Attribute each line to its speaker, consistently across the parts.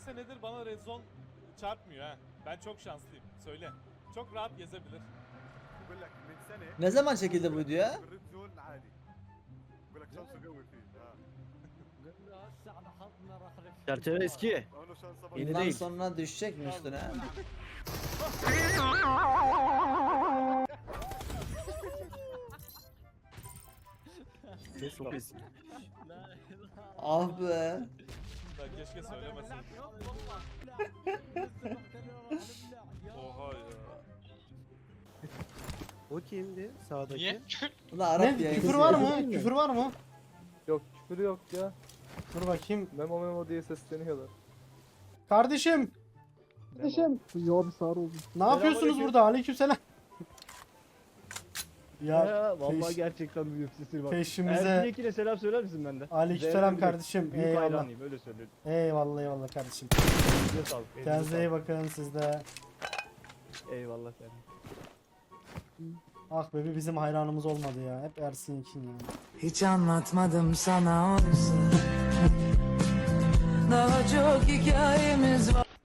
Speaker 1: senedir bana red zone çarpmıyor ha. Ben çok şanslıyım. Söyle. Çok rahat gezebilir.
Speaker 2: Ne zaman çekildi bu video ya?
Speaker 3: Çerçeve eski. Yeni
Speaker 2: Bundan
Speaker 3: değil.
Speaker 2: sonra düşecek mi üstüne?
Speaker 3: Çok eski.
Speaker 2: Ah be.
Speaker 1: Ben keşke söylemeseydim. Oha ya.
Speaker 3: O kimdi sağdaki?
Speaker 4: Niye?
Speaker 2: Ulan Arap
Speaker 5: Ne?
Speaker 2: yayıncısı
Speaker 5: Küfür var
Speaker 2: ya.
Speaker 5: mı? Küfür var mı?
Speaker 6: Yok küfür yok ya.
Speaker 5: Dur bakayım.
Speaker 6: Memo memo diye sesleniyorlar.
Speaker 5: Kardeşim,
Speaker 6: Kardeşim. Ya bir sarı oldu.
Speaker 5: ne yapıyorsunuz burada? Aleykümselam. Ya
Speaker 3: Vallahi
Speaker 5: peş-
Speaker 3: gerçekten büyük sesi bak.
Speaker 5: peşimize.
Speaker 3: Erzinekine selam söyler misin benden?
Speaker 5: Aleykümselam
Speaker 3: Zevkli
Speaker 5: kardeşim.
Speaker 3: Büyük
Speaker 5: Eyvallah.
Speaker 3: hayranıyım öyle söyleyeyim.
Speaker 5: Eyvallah eyvallah kardeşim.
Speaker 3: Elinize sağlık. elinize
Speaker 5: Kendinize iyi
Speaker 3: sağlık.
Speaker 5: bakın siz de.
Speaker 3: Eyvallah efendim.
Speaker 5: Ah be, bir bizim hayranımız olmadı ya. Hep Ersin için ya.
Speaker 7: Hiç anlatmadım sana oysa. Daha çok hikayemiz var.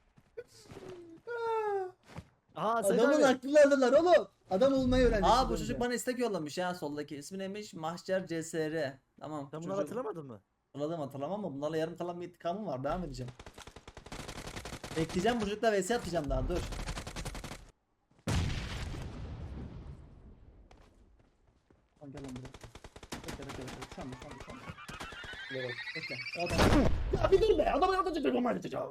Speaker 3: Aha sen
Speaker 2: Adamın
Speaker 3: abi.
Speaker 2: aklını aldılar oğlum. Adam olmayı öğrenmiş. Aa bu
Speaker 3: şimdi.
Speaker 2: çocuk bana istek yollamış ya soldaki. İsmi neymiş? Mahşer CSR. Tamam.
Speaker 3: Sen bunları hatırlamadın mı?
Speaker 2: Hatırlamam ama bunlarla yarım kalan bir intikamım var. Devam edeceğim. Bekleyeceğim, bu çocukla vs atacağım daha, dur. Lan gel lan buraya. Bekle. Şu anda. Bekle. O adam. Ya bir dur be. Adamı yapacak. Onu yapacağım.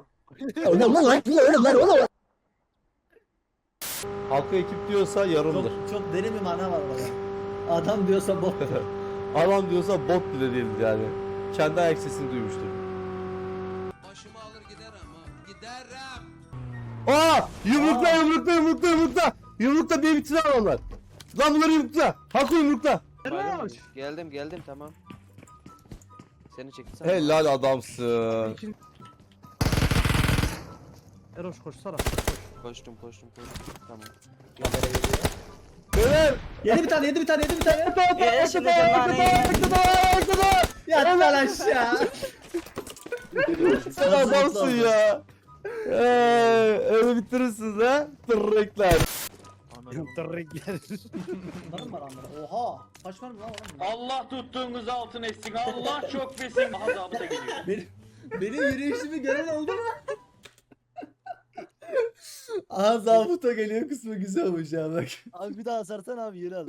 Speaker 6: Halka ekip diyorsa yarımdır.
Speaker 2: Çok derin bir mana var orada. Adam diyorsa bot.
Speaker 6: Adam diyorsa bot bile değildir yani. Kendi ayak sesini duymuştur.
Speaker 8: Başımı alır giderim ha. Giderim.
Speaker 6: Aa! Yumrukla! Yumrukla bir bitir onlar. Lan bunları yumrukla. Hakkı yumrukla.
Speaker 8: Geldim tamam. Seni çekti
Speaker 6: Helal adamsın.
Speaker 3: Eroş koşsana.
Speaker 8: Koştum. Tamam.
Speaker 6: Beyler!
Speaker 2: Yedi bir tane.
Speaker 3: Şimdi
Speaker 2: Yat lan aşağı.
Speaker 6: Sen adamsın ya. Öyle bitirirsiniz ha. Tırrekler.
Speaker 3: Tırrekler.
Speaker 2: Bunların var anlara. Oha. Kaç var mı lan oğlum?
Speaker 4: Allah tuttuğunuz altın etsin. Allah çok besin. Daha zabıta geliyor.
Speaker 2: Benim yürüyüşümü gören oldu mu? Aha zabıta geliyor kısmı güzel olmuş ya bak.
Speaker 3: Abi bir daha sarsan abi yeri al.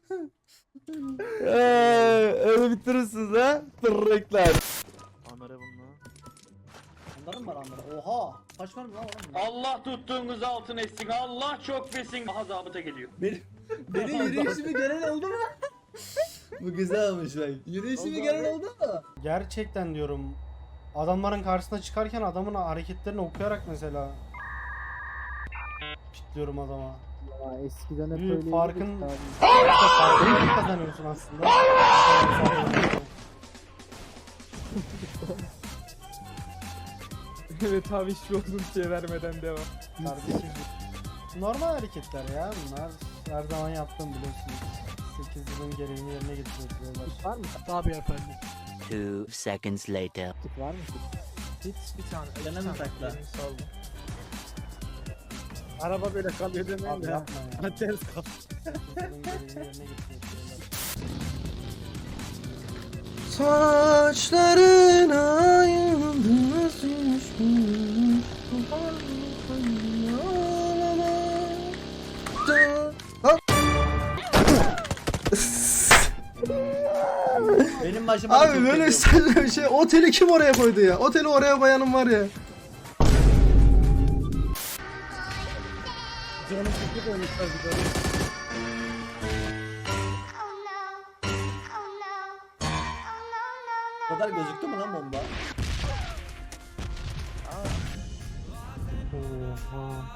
Speaker 6: Öyle bitirirsiniz ha. Tırrekler.
Speaker 3: Amere bununla.
Speaker 2: Bunların var anlara. Oha. Kaç var mı lan oğlum?
Speaker 4: Allah tuttuğunuz altın etsin. Allah çok besin. Daha zabıta geliyor.
Speaker 2: Benim yürüyüşümü gören oldu mu? Bu güzel olmuş bak. Yürüyüşümü gören oldu mu?
Speaker 5: Gerçekten diyorum. Adamların karşısına çıkarken adamın hareketlerini okuyarak mesela kitliyorum adama.
Speaker 6: Ya eskiden hep
Speaker 5: Büyük
Speaker 6: öyleydi.
Speaker 5: farkın farkını kazanıyorsun aslında.
Speaker 6: Evet abi hiçbir uzun şey vermeden devam.
Speaker 5: Kardeşim. Normal hareketler ya bunlar. Her zaman yaptığım biliyorsunuz. 8 yılın gereğini yerine getiriyorlar.
Speaker 6: Var mı? Tabii efendim.
Speaker 9: 2 seconds later.
Speaker 6: Var mı? Hiç bir tane.
Speaker 2: Gene mi takla?
Speaker 6: Araba böyle kalıyor demeyin
Speaker 5: Abi
Speaker 6: de.
Speaker 5: yapma ya.
Speaker 6: Ters kal.
Speaker 5: 8 yılın gereğini yerine getiriyorlar.
Speaker 6: Saçlarına yıldız
Speaker 2: Benim başıma da
Speaker 6: Abi
Speaker 2: çok
Speaker 6: böyle
Speaker 2: geliyor.
Speaker 6: şey oteli kim oraya koydu ya? Oteli oraya koyanım var ya. Canım sıkı koymuşlar bir tane.
Speaker 2: Bu kadar gözüktü mü lan bomba?
Speaker 5: Oha.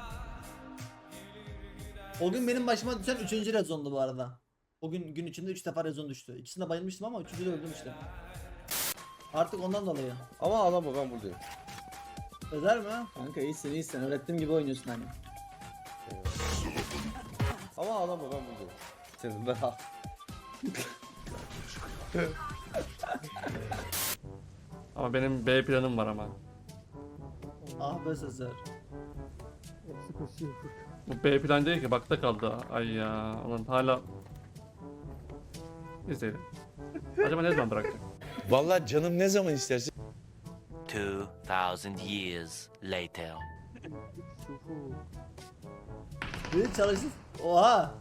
Speaker 2: O gün benim başıma düşen 3. rezondu bu arada. O gün içinde 3 defa rezon düştü. İkisinde bayılmıştım ama 3. de öldüm işte. Artık ondan dolayı.
Speaker 6: Ama ağlama ben buradayım.
Speaker 2: Özer mi? Kanka iyisin. Öğrettiğim gibi oynuyorsun hani.
Speaker 6: Ama ağlama ben buradayım. Senin ben al.
Speaker 10: Ama benim B planım var ama.
Speaker 2: Ah be Sezer.
Speaker 3: Hepsi koşuyor.
Speaker 6: Bu B plan değil ki bakta kaldı. Ay ya. Ulan hala. İzleyelim. Acaba ne zaman bırakacak?
Speaker 10: Vallahi canım ne zaman isterse.
Speaker 9: 2000 years later.
Speaker 2: Bir çalışsın. Oha.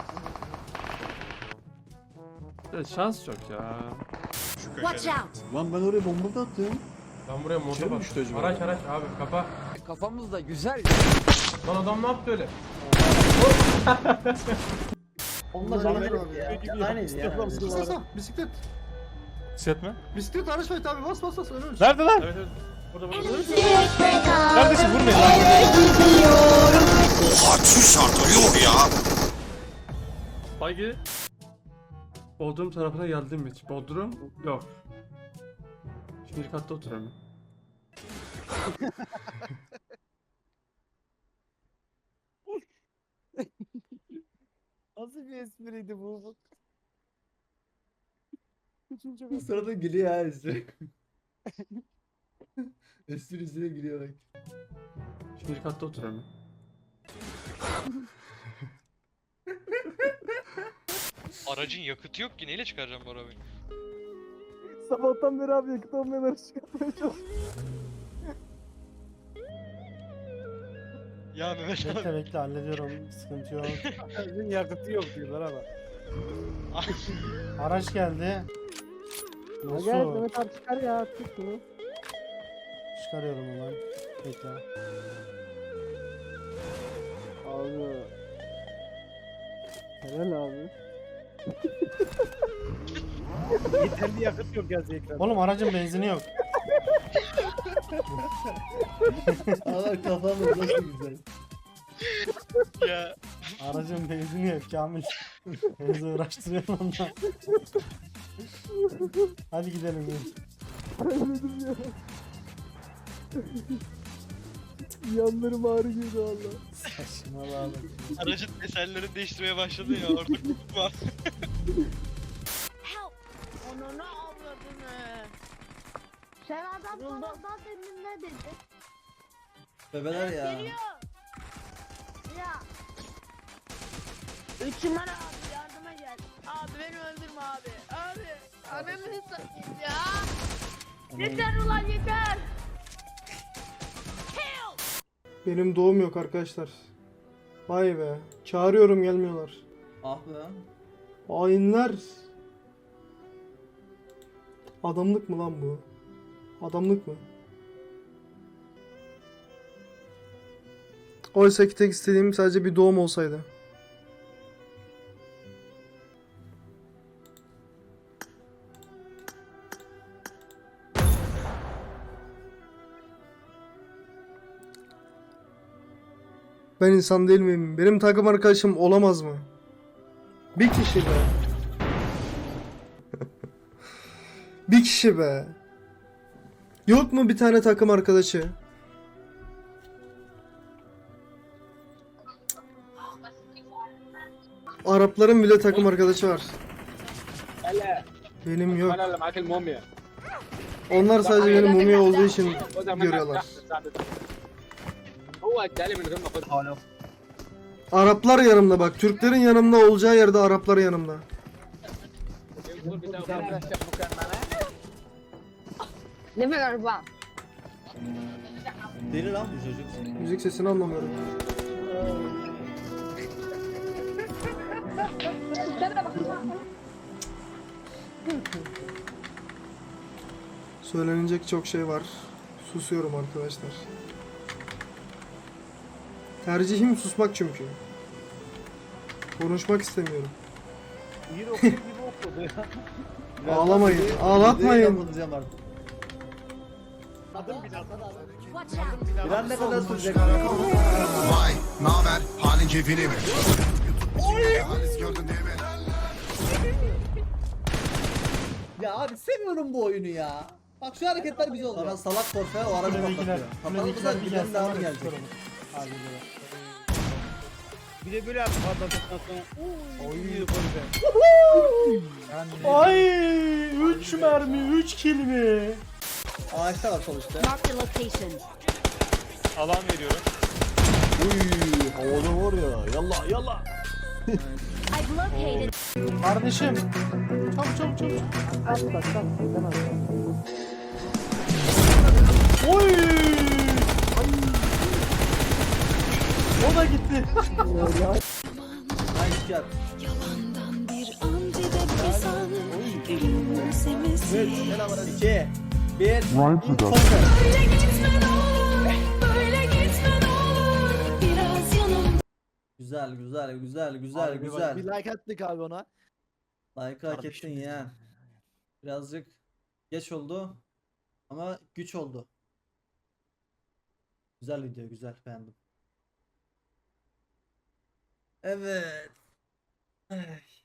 Speaker 6: Evet, şans çok ya.
Speaker 7: Watch out!
Speaker 3: Lan ben oraya bomba da attım.
Speaker 10: Ben buraya motor bak.
Speaker 1: Araç abi kapa.
Speaker 8: Kafamız da güzel.
Speaker 1: Lan adam ne yaptı öyle?
Speaker 2: Onlar aynı ya. Aynıydı ya.
Speaker 3: Bisiklet.
Speaker 1: Bisiklet mi?
Speaker 3: Bisiklet araç var abi bas önümüz.
Speaker 1: Nerede lan? Evet. Burada. Kardeşim vurmayın lan.
Speaker 6: Bagi. Bodrum tarafına geldim mi hiç? Bodrum yok. Şimdi katta oturuyorum.
Speaker 3: Nasıl bir espriydi bu?
Speaker 2: Bu sırada gülüyor ha espri. Esprisine gülüyor bak.
Speaker 6: Şimdi katta oturuyorum.
Speaker 11: Aracın yakıtı yok ki neyle çıkaracağım bu arabayı?
Speaker 3: Sabahtan beri abi yakıt olmayan araç çıkartmaya çalışıyorum.
Speaker 11: Ya Mehmet abi.
Speaker 5: Bekle bekle hallediyorum. Sıkıntı yok.
Speaker 3: Aracın yakıtı yok diyorlar ama.
Speaker 5: Araç geldi.
Speaker 3: Gel
Speaker 5: Nasıl?
Speaker 3: Mehmet abi çıkar ya tut bunu.
Speaker 5: Çıkarıyorum hemen. Bekle.
Speaker 3: Abi. Helal abi. Yeterli yakıt yok yazı ekranda.
Speaker 5: Oğlum aracın benzini yok.
Speaker 2: Allah kafamız nasıl güzel.
Speaker 11: Ya
Speaker 5: Aracın benzini yok Kamil. Benzin uğraştırıyorum ondan. Hadi gidelim.
Speaker 3: Ölmedim ya. Yanlarım ağrı girdi valla.
Speaker 5: Saçmalama.
Speaker 11: aracın eserlerini değiştirmeye başladın ya artık unutma.
Speaker 7: Help! Ananı avradını. Sen adam sonradan demin ne dedi?
Speaker 2: Bebeler ya.
Speaker 7: Geliyor. Ya. Üçümen abi yardıma gel. Abi beni öldürme abi. Abi. Ananı satayım ya. Yeter ulan yeter.
Speaker 5: Benim doğum yok arkadaşlar. Vay be. Çağırıyorum gelmiyorlar.
Speaker 2: Ah be.
Speaker 5: Hainler. Adamlık mı lan bu? Adamlık mı? Oysa ki tek istediğim sadece bir doğum olsaydı. Ben insan değil miyim? Benim takım arkadaşım olamaz mı? Bir kişi be. Bir kişi be. Yok mu bir tane takım arkadaşı? Arapların bile takım arkadaşı var. Benim yok. Onlar sadece benim mumya olduğu için görüyorlar. Araplar yanımda bak. Türklerin yanımda olacağı yerde Araplar yanımda.
Speaker 7: Ne kadar bak.
Speaker 2: Deli lan bu çocuk.
Speaker 5: Müzik sesini anlamıyorum. Söylenecek çok şey var. Susuyorum arkadaşlar. Tercihim susmak çünkü. Konuşmak istemiyorum.
Speaker 3: Bir okul gibi okudu ya.
Speaker 5: Ağlamayın, ağlatmayın.
Speaker 2: Kapatacağım artık.
Speaker 3: Adım bile
Speaker 7: Watch out!
Speaker 2: Biraz ne kadar sürecek?
Speaker 10: Vay, naber? Halin keyfini mi? Gördün değil mi?
Speaker 2: Ya abi seviyorum bu oyunu ya. Bak şu hareketler güzel oluyor. Sana salak forfe o aracı patlatıyor. Patlatırsa bir tane daha gelecek.
Speaker 3: bir de böyle yaptı patladıktan sonra. Oy golü.
Speaker 5: Ay 3 mermi 3 kill mi?
Speaker 2: Ağaçta var sol üstte.
Speaker 7: Mark the location.
Speaker 1: Alan veriyorum.
Speaker 3: Uy havada var ya. Yallah yallah.
Speaker 5: Kardeşim. Çabuk çabuk. At bak at. Demez. Oy! O da gitti.
Speaker 2: Nice job.
Speaker 7: Yalandan bir an gidebilsem gülümsemesi.
Speaker 2: 2 1
Speaker 7: Böyle gitme ne olur, böyle gitme ne olur. Biraz yanım.
Speaker 2: Güzel güzel güzel güzel
Speaker 3: Abi bak,
Speaker 2: güzel.
Speaker 3: bir like attık abi ona.
Speaker 2: Like hak ettin ya. Birazcık geç oldu ama güç oldu. Güzel video, güzel, beğendim. Evet. Ay.